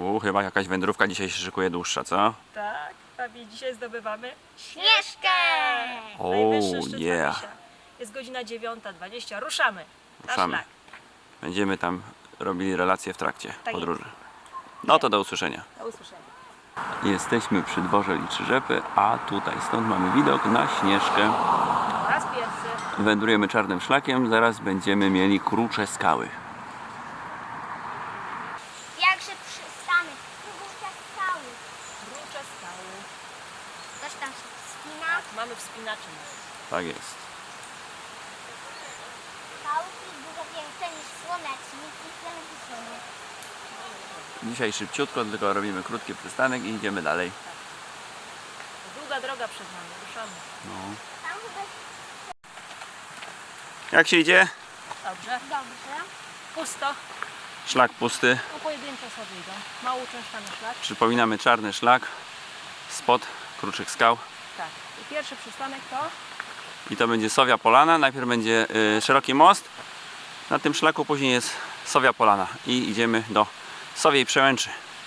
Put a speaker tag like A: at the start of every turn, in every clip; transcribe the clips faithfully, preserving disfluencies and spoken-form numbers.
A: U, chyba jakaś wędrówka dzisiaj się szykuje dłuższa, co?
B: Tak, Fabi, dzisiaj zdobywamy Śnieżkę!
A: O,
B: Najwyższy szczyt
A: yeah.
B: Fabisia. Jest godzina dziewiąta dwadzieścia. Ruszamy. Na
A: Ruszamy.
B: szlak.
A: Będziemy tam robili relacje w trakcie
B: Tak
A: podróży. No to do usłyszenia.
B: Do usłyszenia.
A: Jesteśmy przy dworze Liczyrzepy, a tutaj stąd mamy widok na Śnieżkę.
B: Po raz pierwszy.
A: Wędrujemy czarnym szlakiem, zaraz będziemy mieli Krucze Skały.
C: Jakże przystanek, krucze skały.
B: Krucze skały.
C: Coś tam się wspina.
B: Tak, mamy wspinaczy.
A: Tak jest.
C: Skałki dużo większe niż słonecznik i telewizjory.
A: Dzisiaj szybciutko, tylko robimy krótki przystanek i idziemy dalej.
B: Długa droga przed nami. Ruszamy.
A: No.
C: Tam chyba
A: Jak się idzie?
B: Dobrze.
C: dobrze.
B: Pusto.
A: Szlak pusty.
B: No pojedynczo sobie idą. Mało uczęszczamy szlak.
A: Przypominamy czarny szlak spod Kruczych Skał.
B: Tak. I pierwszy przystanek to
A: I to będzie Sowia Polana. Najpierw będzie y, szeroki most. Na tym szlaku później jest Sowia Polana. I idziemy do Sowiej Przełęczy.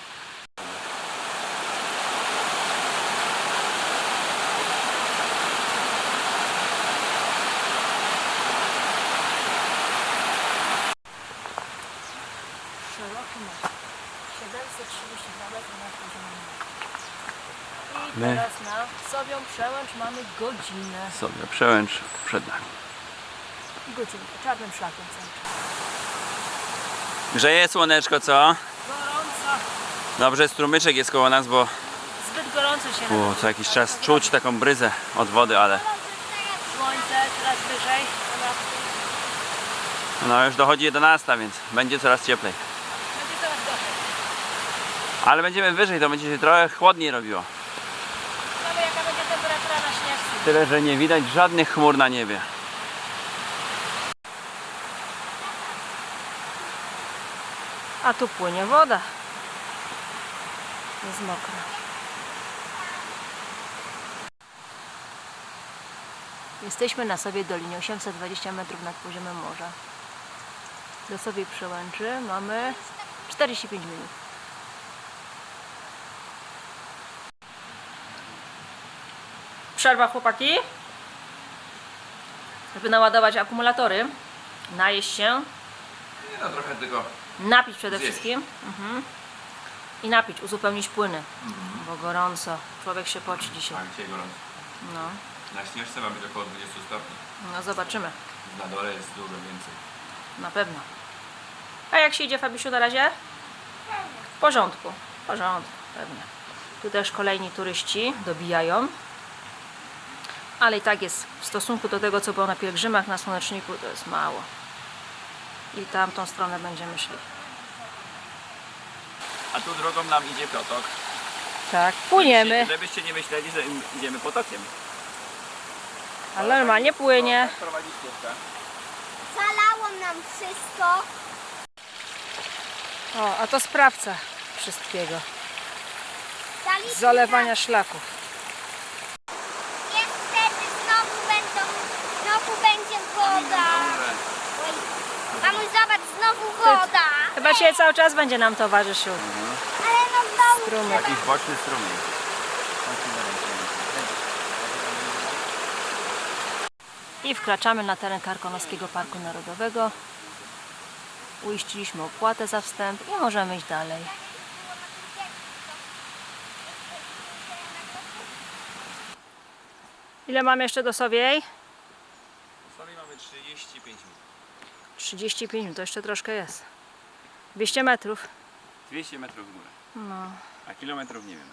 B: szeroki most. siedemset trzydzieści dwa metry nad poziomem morza. I
A: My.
B: teraz na Sowią Przełęcz mamy godzinę.
A: Sowia Przełęcz przed nami.
B: I godzinkę. Czarnym szlakiem cały czas.
A: Grzeje słoneczko, co?
B: Gorąco.
A: Dobrze, strumyczek jest koło nas, bo
B: Zbyt gorąco się
A: u,
B: robi.
A: co jakiś czas czuć taką bryzę od wody, ale
B: Słońce coraz wyżej. Dobra.
A: no już dochodzi jedenasta, więc będzie coraz cieplej.
B: Będzie coraz gorzej.
A: Ale będziemy wyżej, to będzie się trochę chłodniej robiło.
B: Mamy jaka będzie temperatura na śnieżce.
A: Tyle, że nie widać żadnych chmur na niebie.
B: A tu płynie woda. Jest mokra. Jesteśmy na Sowie Dolinie, osiemset dwadzieścia metrów nad poziomem morza. Do Sowiej Przełęczy mamy czterdzieści pięć minut. Przerwa, chłopaki. Żeby naładować akumulatory, najeść się,
A: Nie no, trochę tylko.
B: napić przede
A: Zjeść.
B: wszystkim. Mhm. I napić, uzupełnić płyny, bo gorąco. Człowiek się poci dzisiaj.
A: Tak, dzisiaj gorąco.
B: No,
A: Na Śnieżce ma być około dwudziestu stopni.
B: no zobaczymy.
A: Na dole jest dużo więcej.
B: Na pewno. A jak się idzie, Fabisiu, na razie? W porządku. W porządku, pewnie. Tu też kolejni turyści dobijają. Ale i tak jest w stosunku do tego, co było na pielgrzymach, na Słoneczniku, to jest mało. I tamtą stronę będziemy szli.
A: A tu drogą nam idzie potok.
B: Tak, płyniemy.
A: Żebyście nie myśleli, że idziemy potokiem.
B: Ale normalnie płynie.
A: Tak prowadzi ścieżka.
C: Zalało nam wszystko.
B: O, a to sprawca wszystkiego.
C: Zaliśmy
B: Zalewania
C: nam-
B: szlaków.
C: Niestety znowu będą, znowu będzie woda. Oj, mamuś, zobacz, znowu woda.
B: Chyba dzisiaj cały czas będzie nam towarzyszył
C: Ale no znowu
B: strumyk.
A: Jakiś boczny strumień.
B: I wkraczamy na teren Karkonoskiego Parku Narodowego. Uiściliśmy opłatę za wstęp i możemy iść dalej. Ile mamy jeszcze do Sowiej?
A: Sobie mamy trzydzieści pięć minut.
B: trzydzieści pięć minut, to jeszcze troszkę jest. dwieście metrów.
A: dwieście metrów w górę.
B: No,
A: A kilometrów nie wiem.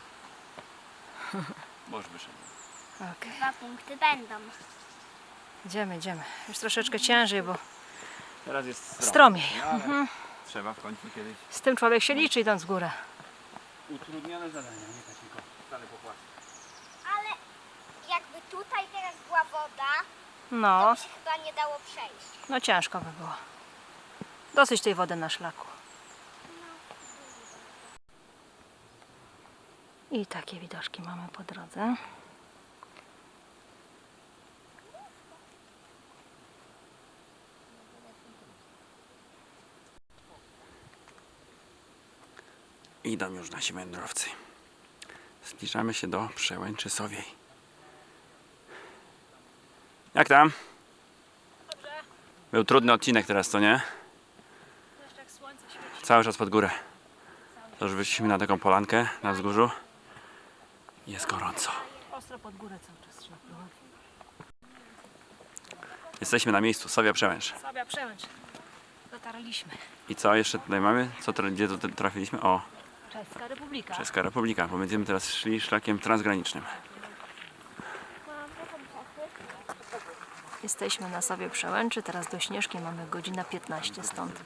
A: Boż wyszedł.
B: okej.
C: dwa punkty będą.
B: Idziemy, idziemy. Już troszeczkę ciężej, bo
A: Teraz jest
B: stromiej.
A: No, ale
B: Mhm.
A: trzeba w końcu kiedyś.
B: Z tym człowiek się liczy, idąc w górę.
A: Utrudnione zadania, nie tak tylko wcale popłacać.
C: Ale jakby tutaj teraz była woda,
B: No,
C: to by się chyba nie dało przejść.
B: no ciężko by było. Dosyć tej wody na szlaku. I takie widoczki mamy po drodze.
A: Idą już nasi wędrowcy. Zbliżamy się do Przełęczy Sowiej. Jak tam? Był trudny odcinek teraz, co nie? Cały czas pod górę. To już wyszliśmy na taką polankę na wzgórzu. Jest gorąco.
B: Ostro pod górę cały czas trzeba było.
A: Jesteśmy na miejscu, Sowia Przełęcz.
B: Słabia Przełęcz. Dotarliśmy.
A: I co jeszcze tutaj mamy? Co, tra- gdzie to trafiliśmy? O,
B: Czeska Republika.
A: Czeska Republika, bo będziemy teraz szli szlakiem transgranicznym.
B: Jesteśmy na Sowie Przełęczy, teraz do Śnieżki mamy godzinę piętnaście stąd.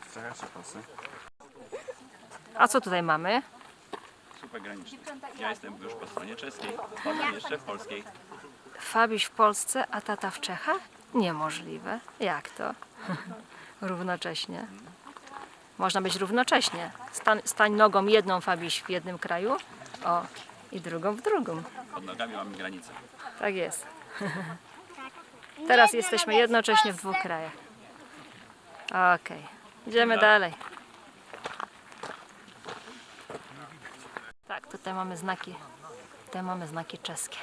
B: A co tutaj mamy?
A: Super graniczny. Ja jestem już po stronie czeskiej, potem jeszcze w polskiej.
B: Fabiś w Polsce, a tata w Czechach? Niemożliwe. Jak to? Równocześnie. Można być równocześnie. Stań, stań nogą jedną Fabiś w jednym kraju, o, i drugą w drugim.
A: Pod nogami mamy granicę.
B: Tak jest. Teraz
C: Nie,
B: jesteśmy
C: nie,
B: jednocześnie w
C: Polsce.
B: dwóch krajach. Okej, idziemy dalej. Tak, tutaj mamy znaki, tutaj mamy znaki czeskie.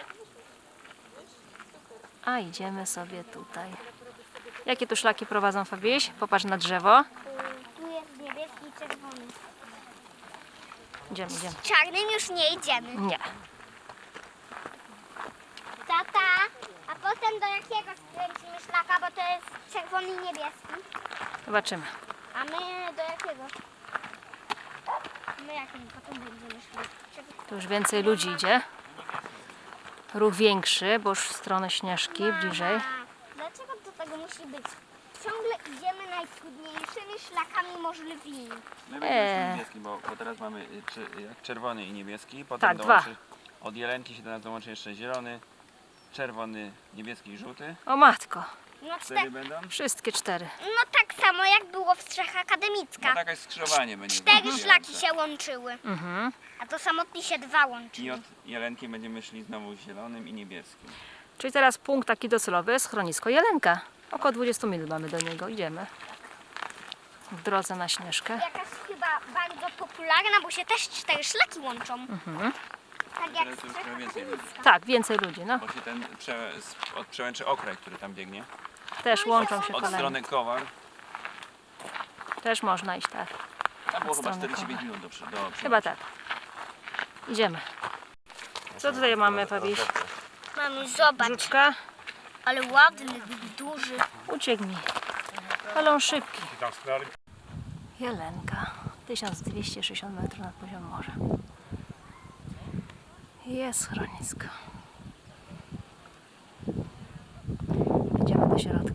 B: A idziemy sobie tutaj. Jakie tu szlaki prowadzą, Fabiś? Popatrz na drzewo.
C: Tu jest niebieski i czerwony.
B: Idziemy, idziemy.
C: Czarnym już nie idziemy.
B: Nie.
C: Tata, a potem do jakiego skręcimy szlaka, bo to jest czerwony i niebieski.
B: Zobaczymy.
C: A my do jakiego? My jakim potem będziemy szli? Czekaj.
B: Tu już więcej ludzi idzie. Ruch większy, bo już w stronę Śnieżki, bliżej.
C: Mama, dlaczego do tego musi być? Ciągle idziemy najtrudniejszymi szlakami możliwymi.
A: My
B: Eee.
A: będziemy niebieski, bo, bo teraz mamy y, czy, jak czerwony i niebieski. Potem
B: Tak,
A: dołączy, od jelenki się teraz dołączy jeszcze zielony, czerwony, niebieski i żółty.
B: O matko,
C: No,
A: Cztery
C: czte-
A: będą.
B: wszystkie cztery.
C: no tak samo jak było w Strzech
A: No
C: Akademicka.
A: takie skrzyżowanie będzie.
C: Cztery
A: wybijające.
C: szlaki się łączyły,
B: Mhm.
C: a to samotnie się dwa
A: I
C: łączyły.
A: od jelenki będziemy szli znowu zielonym i niebieskim.
B: Czyli teraz punkt taki docelowy, schronisko Jelenka. Około dwadzieścia minut mamy do niego, idziemy. W drodze na Śnieżkę.
C: Jakaś chyba bardzo popularna, bo się też cztery szlaki łączą.
B: Mhm.
C: Tak jak
A: Teraz już
C: Strzech
A: trochę więcej ludzi.
C: Akademicka.
B: Tak, więcej ludzi, no.
A: Bo się ten prze, z- od przełęczy Okraj, który tam biegnie.
B: Też łączą się
A: Od
B: kolejne.
A: strony Kowar.
B: Też można iść, tak.
A: Tam było
B: Od
A: chyba
B: strony
A: czterdzieści pięć
B: Kowar.
A: minut do, przy- do przełęczy.
B: Chyba tak. Idziemy. Co tutaj mamy, Fabiś?
C: Mamy, zobacz,
B: Żuczka?
C: ale ładny, duży.
B: Uciekł mi. Ale on szybki. Jelenka. tysiąc dwieście sześćdziesiąt metrów nad poziomem morza. Jest schronisko. Idziemy do środka.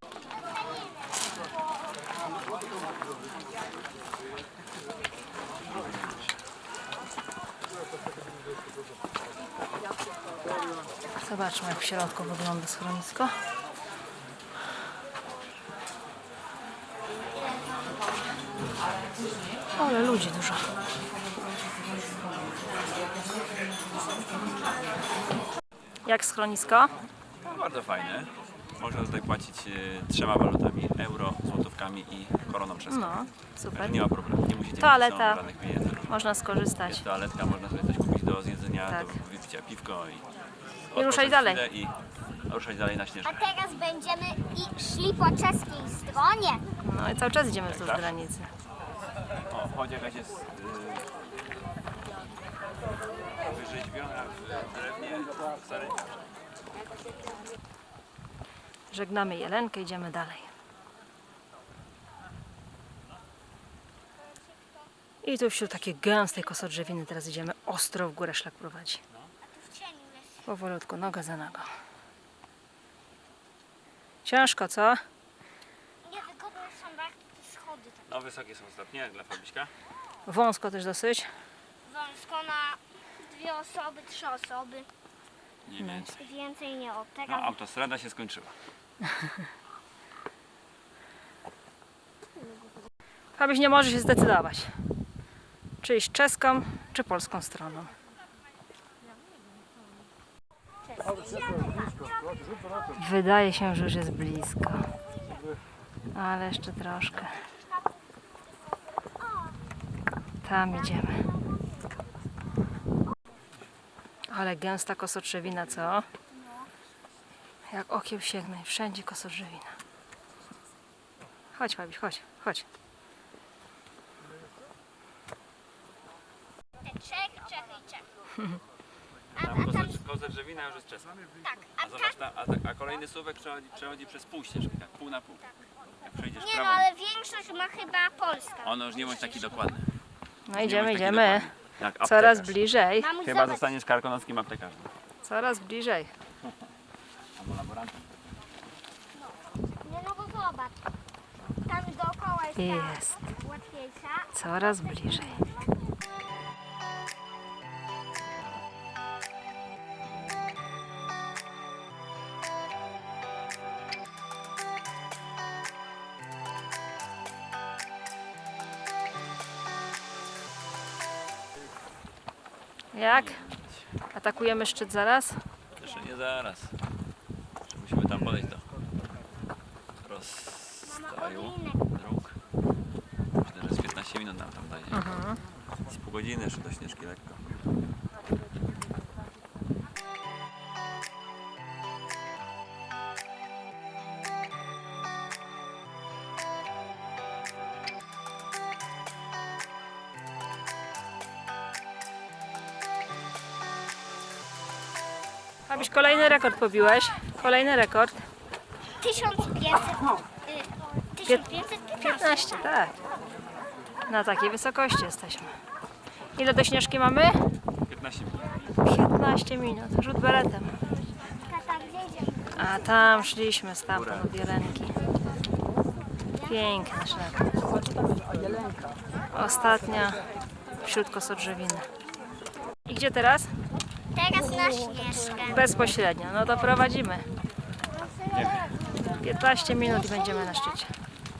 B: Zobaczmy, jak w środku wygląda schronisko. Ale ludzi dużo. Jak schronisko?
A: No, bardzo fajne. Można tutaj płacić e, trzema walutami, euro, złotówkami i koroną czeską.
B: No, super.
A: Także nie ma problemu, nie musicie
B: Toaleta.
A: mieć żadnych pieniędzy.
B: Można skorzystać.
A: Jest toaletka, można sobie coś kupić do zjedzenia,
B: Tak.
A: do wypicia piwko i,
B: I ruszać
A: odpocząć
B: dalej.
A: chwilę I ruszać dalej na
C: A
A: Śnieżkę.
C: teraz będziemy i szli po czeskiej stronie.
B: No i cały czas idziemy wzdłuż
A: tak.
B: granicy.
A: O, chodź jakaś jest yy, wyrzeźbiona w drewnie w starym.
B: Żegnamy Jelenkę, idziemy dalej. I tu wśród takiej gęstej kosodrzewiny teraz idziemy ostro w górę, szlak prowadzi.
C: W cieniu jest.
B: Powolutku, noga za nogą. Ciężko, co?
C: Niewygodne są bardzo schody. Tak
A: No wysokie są stopnie dla Fabiśka.
B: Wąsko też dosyć.
C: wąsko na dwie osoby, trzy osoby.
A: Nie więcej.
C: Więcej nie od
A: No
C: teraz.
A: autostrada się skończyła.
B: Fabiś nie może się zdecydować. Czy iść czeską, czy polską stroną. Wydaje się, że już jest blisko. Ale jeszcze troszkę. Tam idziemy. Ale gęsta kosodrzewina, co? Jak okiem sięgnę, wszędzie kosodrzewina. Chodź, Fabiś, chodź, chodź.
C: Czech, Czech i Czech. A,
A: Tam
C: a tam,
A: kosodrzewina już jest czeska.
C: tak,
A: A
C: a
A: zobacz,
C: tam,
A: tam, a, tak- a kolejny suwek przechodzi, przechodzi przez pół ścieżki, tak pół na pół. Jak przejdziesz
C: nie no,
A: prawą,
C: ale większość ma chyba Polska.
A: ono już nie bądź taki dokładny.
B: No
A: Nie
B: idziemy,
A: bądź taki
B: idziemy.
A: dokładny. Jak
B: Coraz
A: aptekarz.
B: bliżej,
C: Mamuś,
A: Chyba
C: zobacz.
A: zostaniesz karkonoskim aptekarzem.
B: coraz bliżej.
A: Albo laborantem.
C: Nie no, bo zobacz. Tam dookoła jest,
B: Jest.
C: ta łatwiejsza.
B: Coraz bliżej. Jak? Atakujemy szczyt zaraz?
A: Jeszcze nie zaraz. Jeszcze musimy tam podejść do
C: Mama,
A: rozstaju
C: odlinek.
A: dróg. Myślę, że z piętnaście minut nam tam będzie.
B: Mhm.
A: Z pół godziny jeszcze do Śnieżki lekko.
B: Abyś kolejny rekord pobiłeś. Kolejny rekord.
C: tysiąc pięćset. y, tysiąc pięćset piętnaście.
B: piętnaście, tak. Na takiej wysokości jesteśmy. Ile do Śnieżki mamy?
A: piętnaście minut.
B: piętnaście minut. Rzut beretem.
C: Tam gdzie idziemy?
B: A tam szliśmy stamtąd od Jelenki. Piękny szlak. Ostatnia wśród kosodrzewiny. I gdzie teraz?
C: Teraz na Śnieżkę.
B: Bezpośrednio. No to prowadzimy. piętnaście minut i będziemy na szczycie.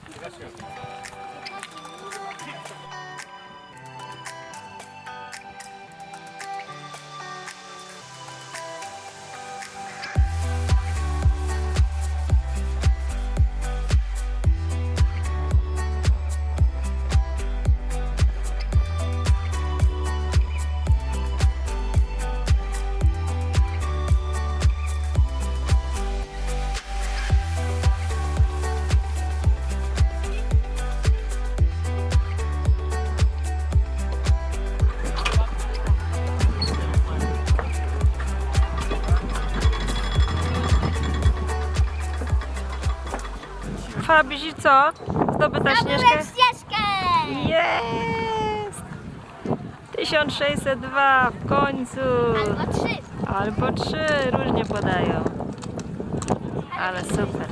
B: Fabiś i co? Zdobyta Śnieżkę?
C: Zdobyłem Śnieżkę!
B: Jest! tysiąc sześćset dwa w końcu.
C: Albo trzy.
B: Albo trzy, różnie podają. Ale super.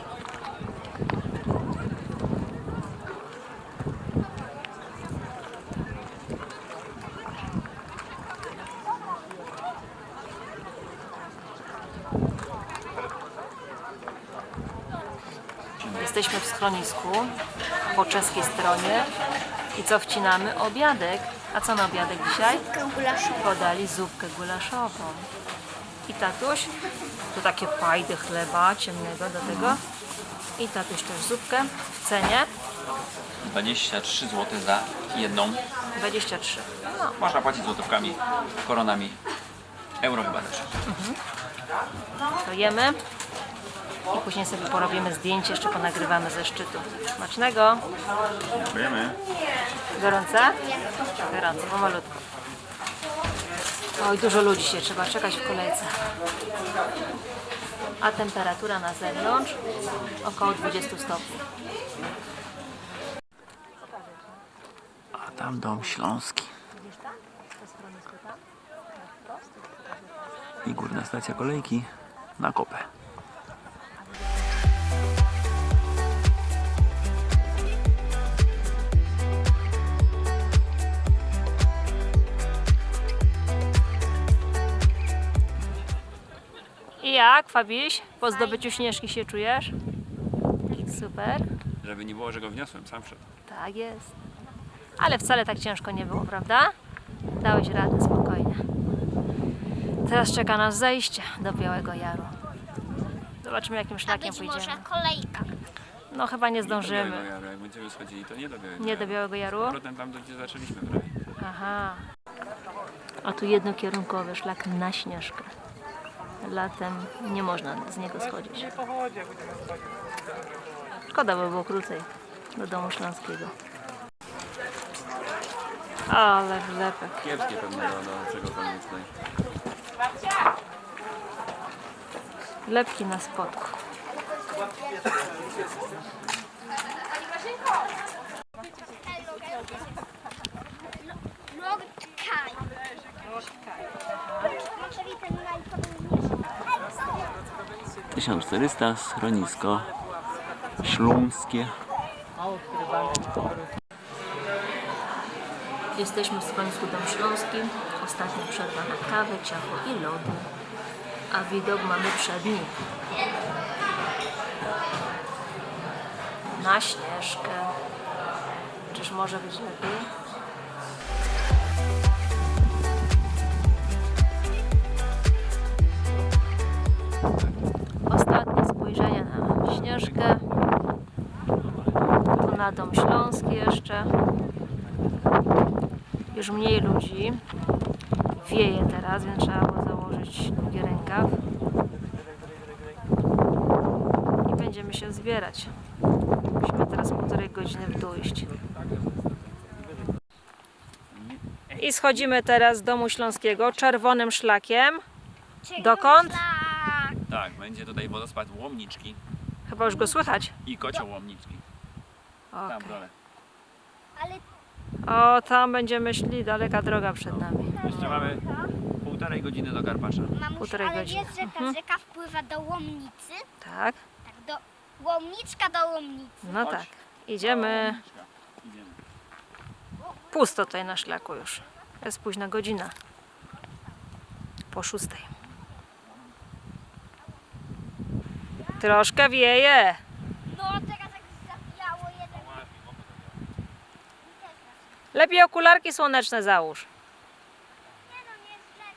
B: Jesteśmy w schronisku po czeskiej stronie i co wcinamy? Obiadek. A co na obiadek dzisiaj? Podali zupkę gulaszową. I tatuś, tu takie fajdy chleba ciemnego do tego. I tatuś też zupkę w cenie
A: dwadzieścia trzy złote za jedną.
B: dwadzieścia trzy. No,
A: Można płacić złotówkami, koronami. Euro chyba też.
B: to jemy i później sobie porobimy zdjęcie, jeszcze ponagrywamy ze szczytu. Smacznego!
A: Dziękujemy.
B: Gorące? Gorące, pomalutko. Oj, dużo ludzi się trzeba czekać w kolejce. A temperatura na zewnątrz około dwadzieścia stopni.
A: A tam dom Śląski. I górna stacja kolejki na Kopę.
B: I jak, Fabiś? Po zdobyciu Śnieżki się czujesz? Super.
A: Żeby nie było, że go wniosłem, sam wszedł.
B: Tak jest. Ale wcale tak ciężko nie było, prawda? Dałeś radę spokojnie. Teraz czeka nas zejście do Białego Jaru. Zobaczymy, jakim
C: A
B: szlakiem
C: być może
B: pójdziemy.
C: kolejka.
B: No chyba nie
A: Nie do
B: zdążymy.
A: Białego Jaru. Jak będziemy schodzili, to nie do Białego
B: Nie
A: Jaru.
B: do Białego Jaru?
A: Z powrotem tam, gdzie zaczęliśmy prawie.
B: Aha. A tu jednokierunkowy szlak na Śnieżkę. Latem nie można z niego schodzić. Szkoda by było krócej do Domu Śląskiego. Ale wlepek.
A: Kiepskie pewnie do, do czegokolwiek tutaj.
B: Lepki na spodku.
C: Lordkaj.
A: tysiąc czterysta, schronisko śląskie.
B: Jesteśmy w schronisku Dom Śląski. Ostatnia przerwa na kawę, ciacho i lody. A widok mamy przedni. Na Śnieżkę. Czyż może być lepiej? Ostatnie spojrzenie na Śnieżkę. Tu na Dom Śląski jeszcze. Już mniej ludzi. Wieje teraz, więc trzeba było założyć długi rękaw. I będziemy się zbierać. Musimy teraz półtorej godziny w dół iść. I schodzimy teraz z Domu Śląskiego czerwonym szlakiem. Dokąd?
A: Tak, będzie tutaj wodospad Łomniczki
B: Chyba już go słychać.
A: i kocioł Łomniczki. Tam w
B: Okay.
A: dole.
C: Ale
B: O, tam będziemy szli, daleka droga przed nami.
A: Jeszcze mamy półtorej godziny do Karpacza.
C: mamuś,
B: Półtorej
C: ale
B: godziny.
C: wiesz, że ta
B: Mhm.
C: rzeka wpływa do Łomnicy?
B: Tak?
C: Tak, do Łomniczka do Łomnicy.
B: No tak. Idziemy.
A: Idziemy.
B: Pusto tutaj na szlaku już. Jest późna godzina. Po szóstej. Troszkę wieje.
C: No teraz jak zabijało jeden.
B: Lepiej okularki słoneczne załóż.
C: Nie no, nie jest źle.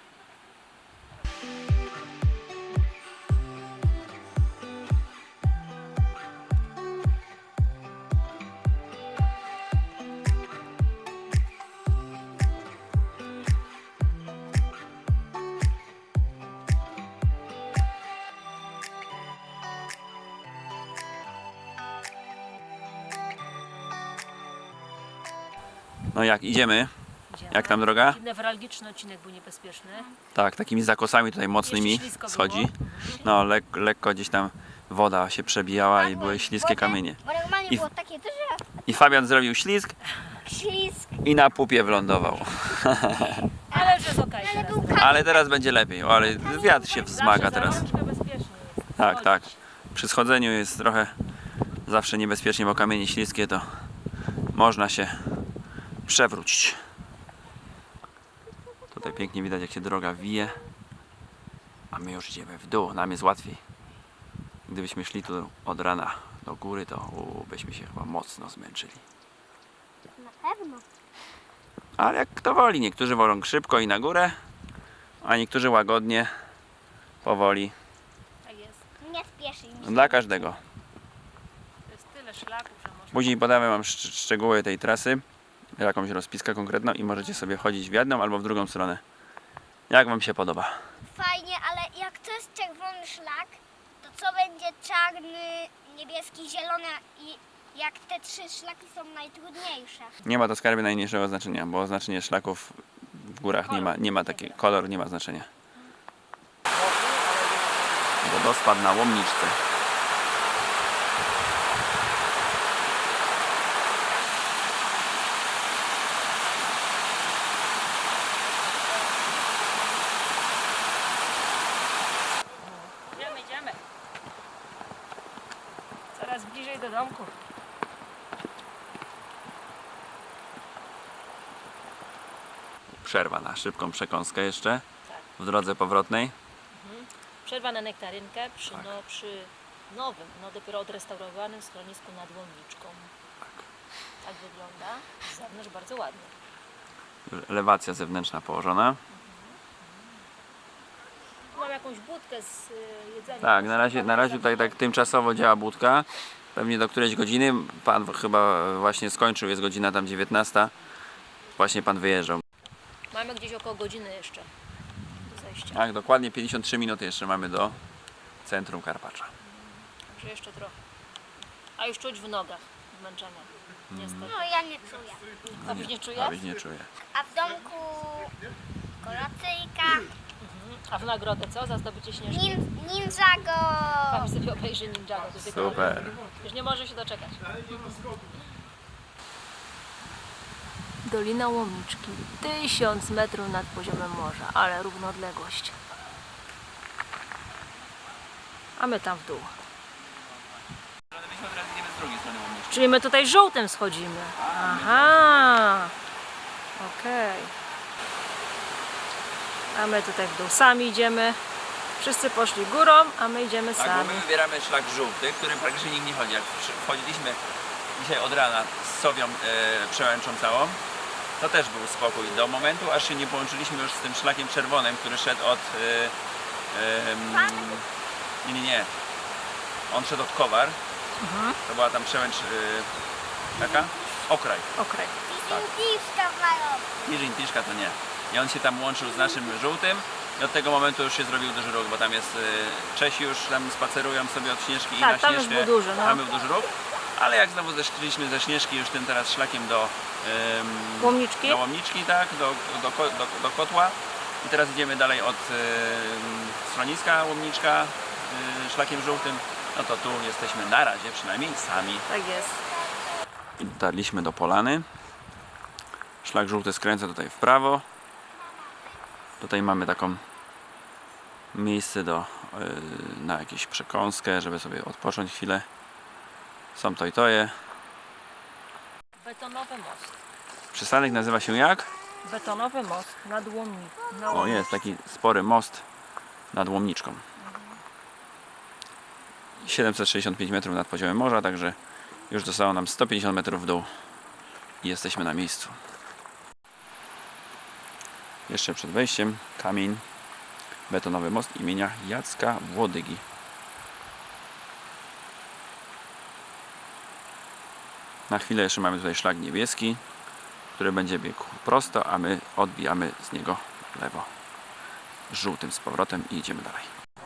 A: No jak, idziemy? Jak tam droga?
B: Newralgiczny odcinek był niebezpieczny.
A: Tak, takimi zakosami tutaj mocnymi
B: Jeszcze ślisko
A: schodzi.
B: było.
A: No lek, lekko gdzieś tam woda się przebijała i były śliskie
C: Bo-
A: kamienie.
C: Bo normalnie
A: I-
C: było takie duże
A: I Fabian zrobił ślizg
C: ślisk.
A: i na pupie wlądował.
B: Ale już jest okej
C: Ale
B: teraz.
C: był kamień.
A: Ale teraz będzie lepiej. O, ale wiatr się wzmaga teraz.
B: bezpiecznie jest.
A: Tak,
B: Chodzić.
A: tak. Przy schodzeniu jest trochę zawsze niebezpiecznie, bo kamienie śliskie to można się przewrócić. Tutaj pięknie widać, jak się droga wije. A my już idziemy w dół, nam jest łatwiej. Gdybyśmy szli tu od rana do góry, to u, byśmy się chyba mocno zmęczyli.
C: Na pewno.
A: Ale jak kto woli, niektórzy wolą szybko i na górę, a niektórzy łagodnie, powoli.
B: Tak jest.
C: Nie spieszy mi się.
A: Dla każdego.
B: To jest tyle szlaków, że można...
A: Później podamy Wam szcz- szczegóły tej trasy, jakąś rozpiskę konkretną i możecie sobie chodzić w jedną albo w drugą stronę. Jak Wam się podoba?
C: Fajnie, ale jak to jest czerwony szlak, to co będzie czarny, niebieski, zielony i jak te trzy szlaki są najtrudniejsze?
A: Nie ma to, skarby, najmniejszego znaczenia, bo oznaczenie szlaków w górach nie ma, nie ma takiego, kolor nie ma znaczenia. Wodospad na Łomniczce.
B: Idziemy, idziemy. Coraz bliżej do domku.
A: Przerwa na szybką przekąskę jeszcze w drodze powrotnej.
B: Przerwa na nektarynkę przy, no, przy nowym, no dopiero odrestaurowanym schronisku nad Łomniczką.
A: Tak.
B: Tak wygląda. Z zewnątrz bardzo ładnie.
A: Elewacja zewnętrzna położona.
B: Mam jakąś budkę z y, jedzeniem.
A: Tak, na razie, na razie tutaj tak tymczasowo działa budka. Pewnie do którejś godziny. Pan chyba właśnie skończył, jest godzina tam dziewiętnasta. Właśnie Pan wyjeżdżał.
B: Mamy Mamy gdzieś około godziny jeszcze do zejścia.
A: Tak, dokładnie pięćdziesiąt trzy minuty jeszcze mamy do centrum Karpacza.
B: Także jeszcze trochę. A już czuć w nogach zmęczenia. Niestety.
C: No ja nie czuję.
B: A byś nie czuje?
A: Abyś nie czuje.
C: A w domku kolacyjka,
B: A w nagrodę co? Za zdobycie śnieżki?
C: nin, Ninjago.
B: Pan sobie obejrzy Ninjago. To tylko-
A: Super.
B: Już nie może się doczekać. Dolina Łomiczki. Tysiąc metrów nad poziomem morza, ale równoodległość. A my tam w dół.
A: Myśmy teraz idziemy z drugiej strony Łomniczki.
B: Czyli my tutaj żółtym schodzimy. Aha. Okej. A my tutaj w dół sami idziemy. Wszyscy poszli górą, a my idziemy
A: Tak, bo
B: sami.
A: my wybieramy szlak żółty, którym praktycznie nikt nie chodzi. Jak przy- wchodziliśmy dzisiaj od rana z Sowią e, przełęczą całą, to też był spokój do momentu, aż się nie połączyliśmy już z tym szlakiem czerwonym, który szedł od... E, e, mm, nie, nie, nie. On szedł od Kowar. To była tam przełęcz e, taka? Okraj.
B: Okraj.
C: Tiszka mają.
A: Tirzin, Tiszka to nie. I on się tam łączył z naszym żółtym i od tego momentu już się zrobił duży ruch, bo tam jest y, Czesi już tam spacerują sobie od Śnieżki
B: Tak,
A: i na
B: tam już
A: Śnieżkę.
B: był duży, no.
A: Tam był duży ruch. Ale jak znowu zeszliśmy ze Śnieżki już tym teraz szlakiem do ym,
B: Łomniczki?
A: do Łomniczki, tak, do, do, ko- do, do Kotła. I teraz idziemy dalej od ym, schroniska Łomniczka y, szlakiem żółtym. No to tu jesteśmy na razie przynajmniej sami.
B: Tak jest.
A: I dotarliśmy do Polany. Szlak żółty skręca tutaj w prawo. Tutaj mamy taką miejsce do, yy, na jakąś przekąskę, żeby sobie odpocząć chwilę. Są to i toje.
B: Betonowy most.
A: Przystanek nazywa się jak?
B: Betonowy most nad Łomni. Na
A: O, jest taki spory most nad Łomniczką. siedemset sześćdziesiąt pięć metrów nad poziomem morza, także już zostało nam sto pięćdziesiąt metrów w dół i jesteśmy na miejscu. Jeszcze przed wejściem kamień, betonowy most imienia Jacka Włodygi. Na chwilę jeszcze mamy tutaj szlak niebieski, który będzie biegł prosto, a my odbijamy z niego lewo żółtym z powrotem i idziemy dalej.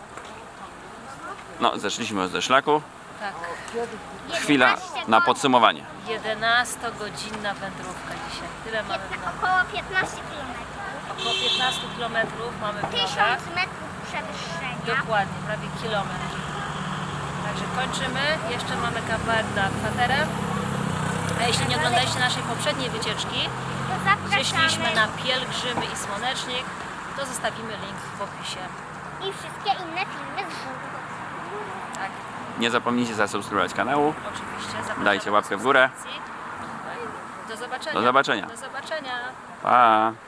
A: No, zeszliśmy już ze szlaku.
B: Tak.
A: Chwila na podsumowanie.
B: jedenastogodzinna wędrówka dzisiaj. Tyle mamy w nogach.
C: Około piętnaście kilometrów.
B: Około piętnaście kilometrów mamy w nogach.
C: tysiąc metrów przewyższenia.
B: Dokładnie, prawie kilometr. Także kończymy. Jeszcze mamy kawałek do akwaterem. A jeśli nie oglądaliście naszej poprzedniej wycieczki,
C: To
B: gdzie szliśmy
C: zapraszamy.
B: na pielgrzymy i słonecznik, to zostawimy link w opisie.
C: I wszystkie inne filmy z góry.
B: Tak,
A: Nie zapomnijcie zasubskrybować kanału.
B: oczywiście. Zapraszamy
A: Dajcie
B: do
A: łapkę w górę.
B: subskrypcji. No i do zobaczenia.
A: Do zobaczenia.
B: Do zobaczenia.
A: Pa!